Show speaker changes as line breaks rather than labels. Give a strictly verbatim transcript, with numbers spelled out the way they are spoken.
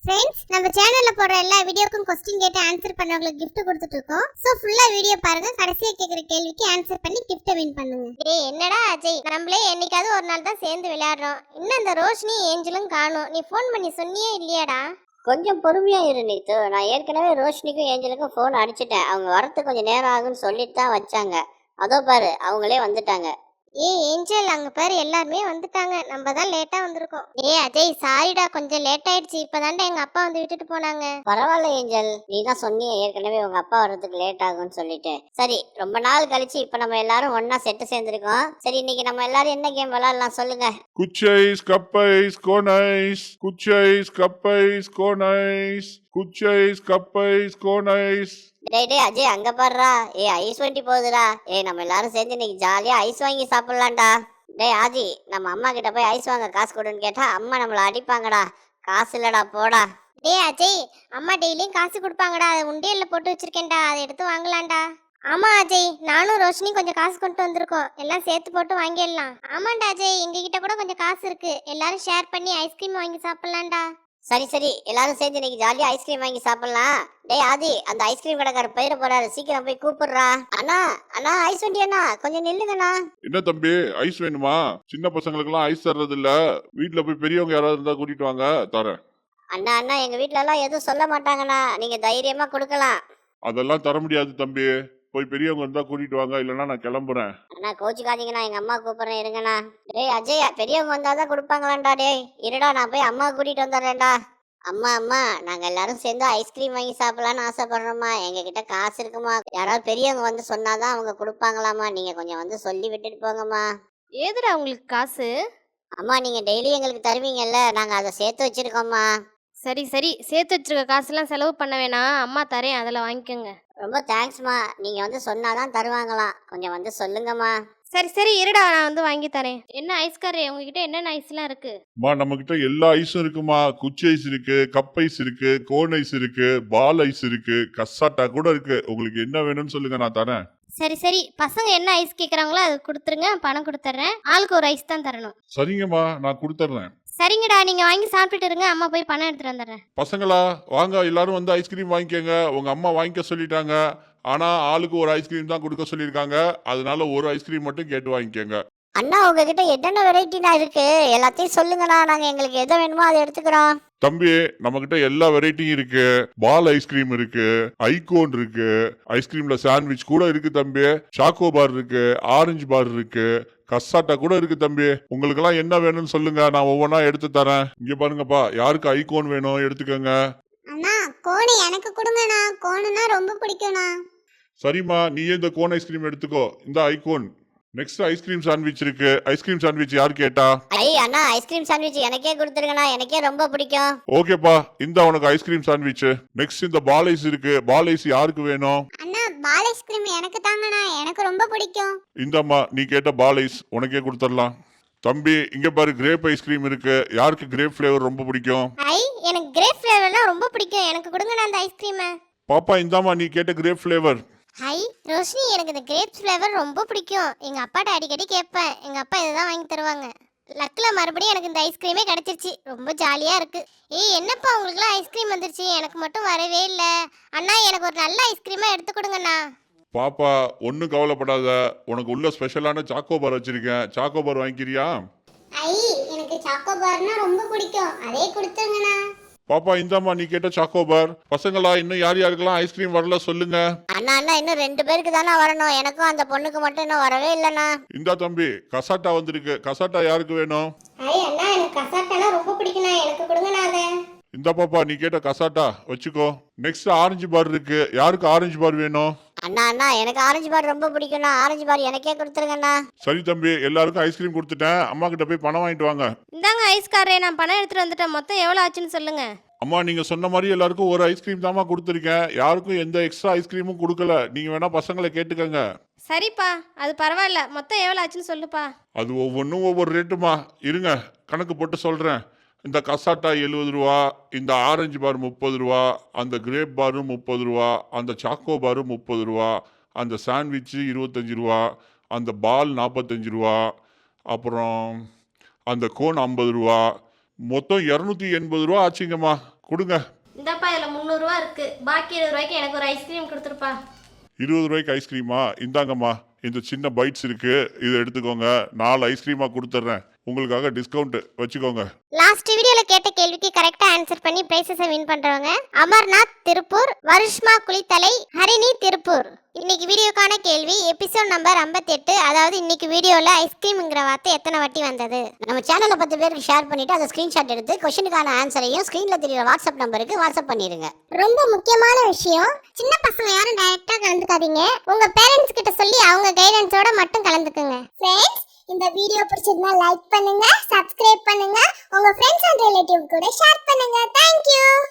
Friends, நம்ம சேனல்ல போடுற எல்லா வீடியோக்கும் क्वेश्चन கேட்டு ஆன்சர் பண்ணவங்களுக்கு gift கொடுத்துட்டு இருக்கோம். சோ ஃபுல்லா வீடியோ பாருங்க. கடைசியா கேக்குற கேள்விக்கு ஆன்சர் பண்ணி gift வின் பண்ணுங்க.
டேய் என்னடா அஜய், நம்மளே என்னைக்காவது ஒரு நாள் தான் சேர்ந்து விளையாடுறோம். இன்னும் அந்த ரோஷினி ஏஞ்சலும் காணோம். நீ ஃபோன் பண்ணி சொன்னியே இல்லையாடா?
கொஞ்சம் பொறுமையா இரு நீத்து. நான் ஏற்கனவே ரோஷினிக்கும் ஏஞ்சலுக்கும் ஃபோன் அடிச்சிட்டேன். அவங்க வரத்துக்கு கொஞ்சம் நேரம் ஆகும்னு சொல்லிட்டு தான் வச்சாங்க. அதோ பாரு, அவங்களே வந்துட்டாங்க.
ஏய் ஏஞ்சல், அங்க பாரு எல்லாருமே வந்துட்டாங்க. நம்ம தான் லேட்டா வந்திருக்கோம். ஏய் அஜய், சாரிடா, கொஞ்சம் லேட் ஆயிடுச்சு. இப்பதான்டா எங்க அப்பா வந்து விட்டுட்டு போனாங்க.
பரவாயில்ல ஏஞ்சல், நீ தான் சொன்னியே ஏற்கனவே உங்க அப்பா வர்றதுக்கு லேட் ஆகும்னு சொல்லிட்டு. சரி, ரொம்ப நாள் கழிச்சு இப்ப நம்ம எல்லாரும் ஒன்னா செட்டு சேர்ந்திருக்கோம். சரி, இன்னைக்கு நம்ம எல்லாரும் என்ன கேம் விளையாடலாம் சொல்லுங்க.
குச்சைஸ் கப்பைஸ் கோனைஸ் குச்சைஸ் கப்பைஸ் கோனைஸ் குச்சைஸ் கப்பைஸ் கோனைஸ்.
டேய் டேய் அஜய், அங்க பாருடா. ஏ ஐஸ் வண்டி போகுதுடா. ஏ நம்ம எல்லாரும் சேர்ந்து இன்னைக்கு ஜாலியா ஐஸ் வாங்கி சாப்பிடலாம்டா. டேய் ஆதி, நம்ம அம்மா கிட்ட போய் ஐஸ் வாங்க காசு கொடுன்னு கேட்டா அம்மா நம்மள அடிப்பாங்கடா. காசு இல்லடா, போடா.
டேய் அஜய், அம்மா டெய்லியும் காசு கொடுப்பாங்கடா. அதை உண்டியல்ல போட்டு வச்சிருக்கேன்டா, அதை எடுத்து வாங்கலாம்டா. ஆமா அஜய், நானும் ரோஷினி கொஞ்சம் காசு கொண்டு வந்திருக்கோம். எல்லாம் சேர்த்து போட்டு வாங்கிடலாம். ஆமாண்டா அஜய், எங்க கிட்ட கூட கொஞ்சம் காசு இருக்கு. எல்லாரும் ஷேர் பண்ணி ஐஸ்கிரீம் வாங்கி சாப்பிடலாம்டா.
சரி சரி, எல்லாரும் சேர்ந்து இன்னைக்கு ஜாலியா ஐஸ்கிரீம் வாங்கி சாப்பிடலாம். டேய் ஆதி, அந்த ஐஸ்கிரீம் கடைக்கார பயிர போறாரு, சீக்கிரம் போய் கூப்பிடுறா. அண்ணா அண்ணா, ஐஸ் வண்டி அண்ணா, கொஞ்சம் நில்லுங்கண்ணா.
என்ன தம்பி, ஐஸ் வேணுமா? சின்ன பசங்களுக்கு எல்லாம் ஐஸ் தர்றது இல்ல. வீட்டுல போய் பெரியவங்க யாராவது இருந்தா கூட்டிட்டு வாங்க, தரேன்.
அண்ணா அண்ணா, எங்க வீட்ல எல்லாம் எதுவும் சொல்ல மாட்டாங்கண்ணா, நீங்க தைரியமா கொடுக்கலாம்.
அதெல்லாம் தர முடியாது தம்பி. போய் பெரியவங்க இருந்தா கூட்டிட்டு வாங்க, இல்லைன்னா நான் கிளம்புறேன்.
அண்ணா கோச்சுக்காதீங்கண்ணா, எங்க அம்மா கூப்பிடுறேன், இருங்கண்ணா. டேய் அஜய், பெரியவங்க வந்தாதான் கொடுப்பாங்களாண்டா. டேய் இருடா, நான் போய் அம்மா கூட்டிட்டு வந்துடுறேன்டா. அம்மா அம்மா, நாங்க எல்லாரும் சேர்ந்து ஐஸ்கிரீம் வாங்கி சாப்பிடலாம்னு ஆசைப்படுறோம்மா. எங்க கிட்ட காசு இருக்குமா? யாராவது பெரியவங்க வந்து சொன்னாதான் அவங்க கொடுப்பாங்களாமா. நீங்க கொஞ்சம் வந்து சொல்லி விட்டுட்டு போங்கம்மா.
ஏதுடா உங்களுக்கு காசு?
அம்மா, நீங்க டெய்லி எங்களுக்கு தருவீங்கல்ல, நாங்க அதை சேர்த்து வச்சிருக்கோம்மா.
சரி சரி, சேர்த்து வச்சிருக்க காசுலாம் செலவு பண்ண வேணாம், அம்மா தரேன், அதில் வாங்கிக்கோங்க.
ரொம்ப தேங்க்ஸ்மா. நீங்க வந்து சொன்னாதான் தருவாங்களாம், கொஞ்சம் வந்து சொல்லுங்கம்மா.
சரி சரி, இருடா, நான் வந்து வாங்கி தரேன். என்ன ஐஸ்காரே, உங்ககிட்ட என்னென்ன ஐஸ்லாம் இருக்கு?
மா, நம்ம கிட்ட எல்லா ஐஸும் இருக்குமா. குச்சி ஐஸ் இருக்கு, கப் ஐஸ் இருக்கு, கோன் ஐஸ் இருக்கு, பால் ஐஸ் இருக்கு, கசாட்டா கூட இருக்கு. உங்களுக்கு என்ன வேணும்னு சொல்லுங்க, நான் தரேன்.
சரி சரி, பசங்க என்ன ஐஸ் கேட்குறாங்களோ அது கொடுத்துருங்க, பணம் கொடுத்துட்றேன். ஆளுக்கு ஒரு ஐஸ் தான் தரணும்.
சரிங்கம்மா, நான் கொடுத்துட்றேன்.
சரிங்கடா, நீங்கள் வாங்கி சாப்பிட்டுட்டு இருங்க, அம்மா போய் பணம் எடுத்துகிட்டு வந்துடுறேன்.
பசங்களா வாங்க, எல்லாரும் வந்து ஐஸ்கிரீம் வாங்கிக்கோங்க. உங்க அம்மா வாங்கிக்க சொல்லிட்டாங்க. ஆனா ஆளுக்கு ஒரு ஐஸ்கிரீம் தான் கொடுக்க சொல்லியிருக்காங்க. அதனால ஒரு ஐஸ்கிரீம் மட்டும் கேட்டு வாங்கிக்கோங்க.
அண்ணா, உங்ககிட்ட என்னென்ன வெரைட்டினா இருக்கு? எல்லாத்தையும் சொல்லுங்கண்ணா, நாங்க எங்களுக்கு எதை வேணுமோ அதை எடுத்துக்கிறோம்.
தம்பி, நம்ம கிட்ட எல்லா வெரைட்டியும் இருக்கு. பால் ஐஸ்கிரீம் இருக்கு, ஐகோன் இருக்கு, ஐஸ்கிரீம்ல சாண்ட்விச் கூட இருக்கு தம்பி, சாக்கோ பார் இருக்கு, ஆரஞ்சு பார் இருக்கு, கசாட்டா கூட இருக்கு தம்பி. உங்களுக்கு எல்லாம் என்ன வேணும்னு சொல்லுங்க, நான் ஒவ்வொன்றா எடுத்து தரேன். இங்க பாருங்கப்பா, யாருக்கு ஐகோன் வேணும் எடுத்துக்கோங்க.
அண்ணா, கோன் எனக்கு கொடுங்கண்ணா. கோனுனா ரொம்ப பிடிக்கும்ண்ணா.
சரிம்மா, நீயே இந்த கோன் ஐஸ்கிரீம் எடுத்துக்கோ. இந்த ஐகோன். நெக்ஸ்ட் ஐஸ்கிரீம் சாண்ட்விச் இருக்கு. ஐஸ்கிரீம் சாண்ட்விச் யார் கேட்டா?
ஐ அண்ணா, ஐஸ்கிரீம் சாண்ட்விச் எனக்கே கொடுத்துருங்கண்ணா, எனக்கே ரொம்ப பிடிக்கும்.
ஓகேப்பா, இந்த உனக்கு ஐஸ்கிரீம் சாண்ட்விச். நெக்ஸ்ட் இந்த பால் ஐஸ் இருக்கு. பால் ஐஸ் யாருக்கு வேணும்?
அண்ணா, பால் ஐஸ்கிரீம் எனக்கு தாங்கண்ணா, எனக்கு ரொம்ப பிடிக்கும்.
இந்தம்மா, நீ கேட்ட பால் ஐஸ் உனக்கே கொடுத்துடலாம். தம்பி, இங்க பாரு, கிரேப் ஐஸ்கிரீம் இருக்கு. யாருக்கு கிரேப் ஃபிளேவர் ரொம்ப பிடிக்கும்?
ஐ, எனக்கு கிரேப் ஃப்ளேவர்லாம் ரொம்ப பிடிக்கும். எனக்கு கொடுங்கண்ணா அந்த ஐஸ்கிரீமை.
பாப்பா, இந்தாம்மா, நீ கேட்ட கிரேப் ஃபிளேவர்.
ஹை ரோஷினி, எனக்கு இந்த கிரேப்ஸ் ஃப்ளேவர் ரொம்ப பிடிக்கும். எங்க அப்பாட்ட அடிக்கடி கேட்பேன், எங்க அப்பா இதுதான் வாங்கி தருவாங்க. லக்ல மறுபடியும் எனக்கு இந்த ஐஸ்கிரீமே கிடைச்சிருச்சு. ரொம்ப ஜாலியா இருக்கு. ஏய் என்னப்பா, உங்களுக்குலாம் ஐஸ்கிரீம் வந்துருச்சு, எனக்கு மட்டும் வரவே இல்லை. அண்ணா, எனக்கு ஒரு நல்ல ஐஸ்கிரீமா எடுத்து கொடுங்கண்ணா.
பாப்பா, ஒன்றும் கவலைப்படாத. உனக்கு உள்ள ஸ்பெஷலான சாக்கோ பார் வச்சிருக்கேன். Choco bar வாங்கிக்கிறியா?
ஐ, எனக்கு சாக்கோ பார்னா ரொம்ப பிடிக்கும், அதே கொடுத்துருங்கண்ணா.
பாப்பா, இந்தாம்மா, நீ கேட்ட சாக்கோ பார். பசங்களா, இன்னும் யார் யாருக்கெல்லாம் ஐஸ்கிரீம் வரல சொல்லுங்க.
அண்ணா அண்ணா, இன்னும் ரெண்டு பேருக்கு தானே வரணும். எனக்கும் அந்த பொண்ணுக்கு மட்டும் இன்னும் வரவே இல்லைண்ணா.
இந்தா தம்பி, கசாட்டா வந்திருக்கு. கசாட்டா யாருக்கு வேணும்?
ஐ அண்ணா, எனக்கு கசாட்டானா ரொம்ப பிடிக்கும்ண்ணா, எனக்கு கொடுங்கண்ணா அதை.
இந்த பாப்பா, நீ கேட்ட கசாட்டா வச்சுக்கோ. நெக்ஸ்ட் ஆரஞ்சு பார் இருக்கு. யாருக்கு ஆரஞ்சு பார் வேணும்?
அண்ணா அண்ணா, எனக்கு ஆரஞ்சு பார் ரொம்ப பிடிக்கும்ண்ணா, ஆரஞ்சு பார் எனக்கே கொடுத்துருங்கண்ணா.
சரி தம்பி, எல்லாருக்கும் ஐஸ்கிரீம் கொடுத்துட்டேன். அம்மா கிட்ட போய் பணம் வாங்கிட்டு வாங்க.
இந்தாங்க ஐஸ்காரே, நான் பணம் எடுத்துகிட்டு வந்துட்டேன். மொத்தம் எவ்வளோ ஆச்சுன்னு சொல்லுங்க.
அம்மா, நீங்க சொன்ன மாதிரி எல்லாருக்கும் ஒரு ஐஸ்கிரீம் தாம்மா கொடுத்துருக்கேன். யாருக்கும் எந்த எக்ஸ்ட்ரா ஐஸ்கிரீமும் கொடுக்கல. நீங்க வேணா பசங்களை கேட்டுக்கங்க.
சரிப்பா, அது பரவாயில்ல. மொத்தம் எவ்வளோ ஆச்சுன்னு சொல்லுப்பா.
அது ஒவ்வொன்றும் ஒவ்வொரு ரேட்டுமா. இருங்க, கணக்கு போட்டு சொல்றேன். இந்த கசாட்டா எழுபது ரூபா, இந்த ஆரஞ்சு பார் முப்பது ரூபா, அந்த கிரேப் பாரும் முப்பது ரூபா, அந்த சாக்கோ பாரும் முப்பது ரூபா, அந்த சாண்ட்விட்சு இருபத்தஞ்சி ரூபா, அந்த பால் நாற்பத்தஞ்சு ரூபா, அப்புறம் அந்த கோன் ஐம்பது ரூபா, மொத்தம் இரநூத்தி எண்பது ரூபா ஆச்சுங்கம்மா. கொடுங்க.
இந்தப்பா இதில் முந்நூறுரூவா இருக்கு, பாக்கி இருபது ரூபாய்க்கு எனக்கு ஒரு ஐஸ்கிரீம் கொடுத்துருப்பா.
இருபது ரூபாய்க்கு ஐஸ்கிரீமா? இந்தாங்கம்மா, இந்த சின்ன பைட்ஸ் இருக்கு, இதை எடுத்துக்கோங்க. நாலு ஐஸ்கிரீமா கொடுத்துட்றேன், உங்களுக்காக டிஸ்கவுண்ட் வச்சுக்கோங்க.
லாஸ்ட் வீடியோல கேட்ட கேள்விக்கு கரெக்டா ஆன்சர் பண்ணி பிரைசஸை வின் பண்றவங்க அமர்நாத் திருப்பூர், வருஷ்மா குளித்தலை, ஹரிணி திருப்பூர். இன்னைக்கு வீடியோக்கான கேள்வி எபிசோட் நம்பர் ஐம்பத்தி எட்டு, அதாவது இன்னைக்கு வீடியோல ஐஸ்கிரீம்ங்கிற வார்த்தை எத்தனை வாட்டி வந்தது?
நம்ம சேனலை பத்து பேருக்கு ஷேர் பண்ணிட்டு அதை ஸ்கிரீன்ஷாட் எடுத்து கொஸ்டினுக்கான ஆன்சரையும் ஸ்கிரீன்ல தெரியுற வாட்ஸ்அப் நம்பருக்கு வாட்ஸ்அப் பண்ணிருங்க.
ரொம்ப முக்கியமான விஷயம், சின்ன பசங்க யாரும் டைரக்டா கலந்துக்காதீங்க. உங்க பேரண்ட்ஸ் கிட்ட சொல்லி அவங்க கைடன்ஸோட மட்டும் கலந்துக்குங்க. ஃப்ரெண்ட்ஸ், இந்த வீடியோ பிடிச்சிருந்தா லைக் பண்ணுங்க, சப்ஸ்கிரைப் பண்ணுங்க, உங்க ஃப்ரெண்ட்ஸ் அண்ட் ரிலேட்டிவ் கூட ஷேர் பண்ணுங்க. Thank you.